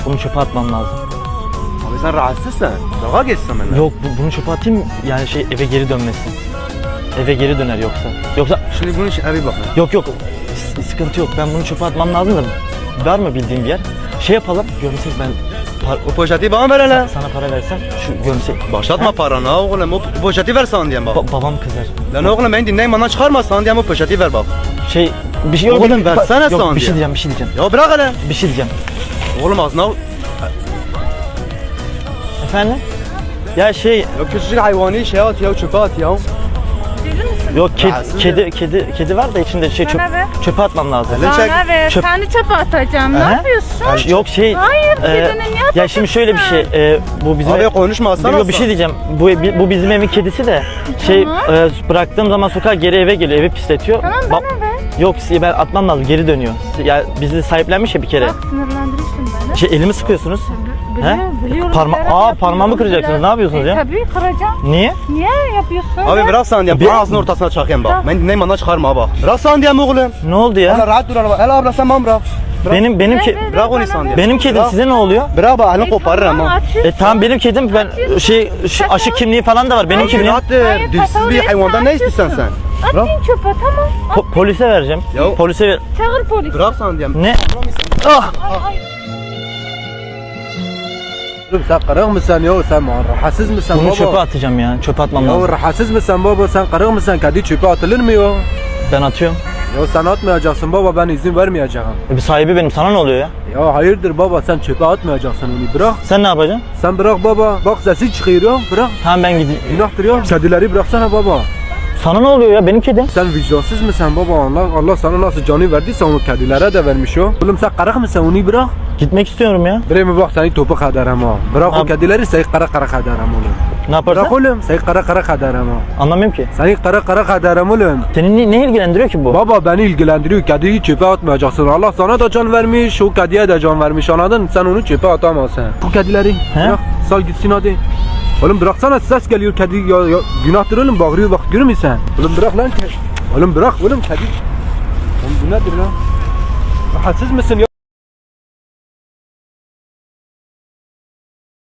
Bunu çöpe atmam lazım. Abi sen rahatsızsın. Dağa geçsin benimle. Yok bunu çöpe atayım yani eve geri dönmesin. Eve geri döner yoksa. Yoksa Şimdi bunun için bir bakın. yok sıkıntı yok. Ben bunu çöpe atmam lazım da var mı bildiğin bir yer? Şey yapalım. Gömsek ben O poşeti bana ver hele. sana para versem şu gömsek. Başlatma paranı ha oğlum. O poşeti ver sana diyeyim bak. Babam kızar. Lan oğlum beni dinleyin bana çıkarma sana diyeyim o poşeti ver bak. Bir şey Oğlum, yok. versene Yok sana bir şey diye. diyeceğim. Ya bırak hele. Bir şey diyeceğim. Oğlum ağzına. Efendim? Ya Ya küçücük hayvani şey at ya çöpe at ya. yok Rahatsız ya. kedi var da içinde Bana ver. çöpe atmam lazım. Hele çek. Bana ver. Çöp- Seni çöpe atacağım. Ne Aha. yapıyorsun? Yok Hayır, kedinin niye ya şimdi şöyle bir şey bu bizim Abi konuşma sana. Yok bir şey diyeceğim. Bu bizim evin kedisi de Tamam. bıraktığım zaman sokağa geri eve geliyor. Evi pisletiyor. Tamam Ba- bana ver. Yok ben atmam lazım. Geri dönüyor. Ya bizi sahiplenmiş ya bir kere. Bak sinirlendirirsin beni. Elimi sıkıyorsunuz. Biliyorum. Parmağımı Yapıyorum. kıracaksınız. Ne yapıyorsunuz ya? Tabii kıracağım. Niye? Niye yapıyorsun? Abi bırak sana diyeyim. Bir- Bana ağzının ortasına çakayım bak. Ben dinleyin bana çıkarma bak. Bırak sana diyeyim oğlum. Ne oldu Hele ya? rahat dur hele. Hele abla sen bana bırak. Bırak. Benim Bırak onu sana diyeyim. benim kedim Bırak. size ne oluyor? Bırak bak elini koparırım ha. Tamam benim kedim ben şu aşık kimliği falan da var. Benim kimliğim. Rahat dur. Dilsiz bir hayvandan ne istiyorsun sen? Bırak. Atayım çöpe tamam. Polise vereceğim. Ya- Polise ver. Çağır polis. Bırak sana diyeyim. Ne? Ah! Oğlum sen kırık mısın ya? Sen rahatsız mısın Bunu baba? çöpe atacağım ya. Çöpe atmam Ya lazım. rahatsız mısın baba? Sen kırık mısın? Kedi çöpe atılır mı ya? Ben atıyorum. Ya sen atmayacaksın baba, ben izin vermeyeceğim. Bir sahibi benim. Sana ne oluyor ya? Ya hayırdır baba, sen çöpe atmayacaksın onu, bırak. Sen ne yapacaksın? Sen bırak baba, bak sesi çıkıyor ya, bırak. Tamam ben gideyim. Günahtır ya. Kedileri bıraksana baba. Sana ne oluyor ya? Benim kedim. Sen vicdansız mısın baba? Allah sana nasıl canı verdiyse onu kedilere de vermiş o. Oğlum sen kırık mısın? Onu bırak. Gitmek istiyorum ya. Bre mi bak seni topuk ederim ha. Bırak o Abi- kedileri, seni kara ederim oğlum. Ne yaparsın? Bırak oğlum, seni kara ederim ha. Anlamıyorum ki. Seni kara ederim oğlum. Seni ne ilgilendiriyor ki bu? Baba beni ilgilendiriyor. Kediyi çöpe atmayacaksın. Allah sana da can vermiş, o kediye de can vermiş, anladın? Sen onu çöpe atamazsın. Bu kedileri bırak, sal gitsin hadi. Oğlum bıraksana, ses geliyor kedi ya, günahtır oğlum, bağırıyor bak, görüyor musun sen? Oğlum bırak lan kedi. Oğlum bırak oğlum kedi. Oğlum bu nedir lan? Rahatsız mısın ya?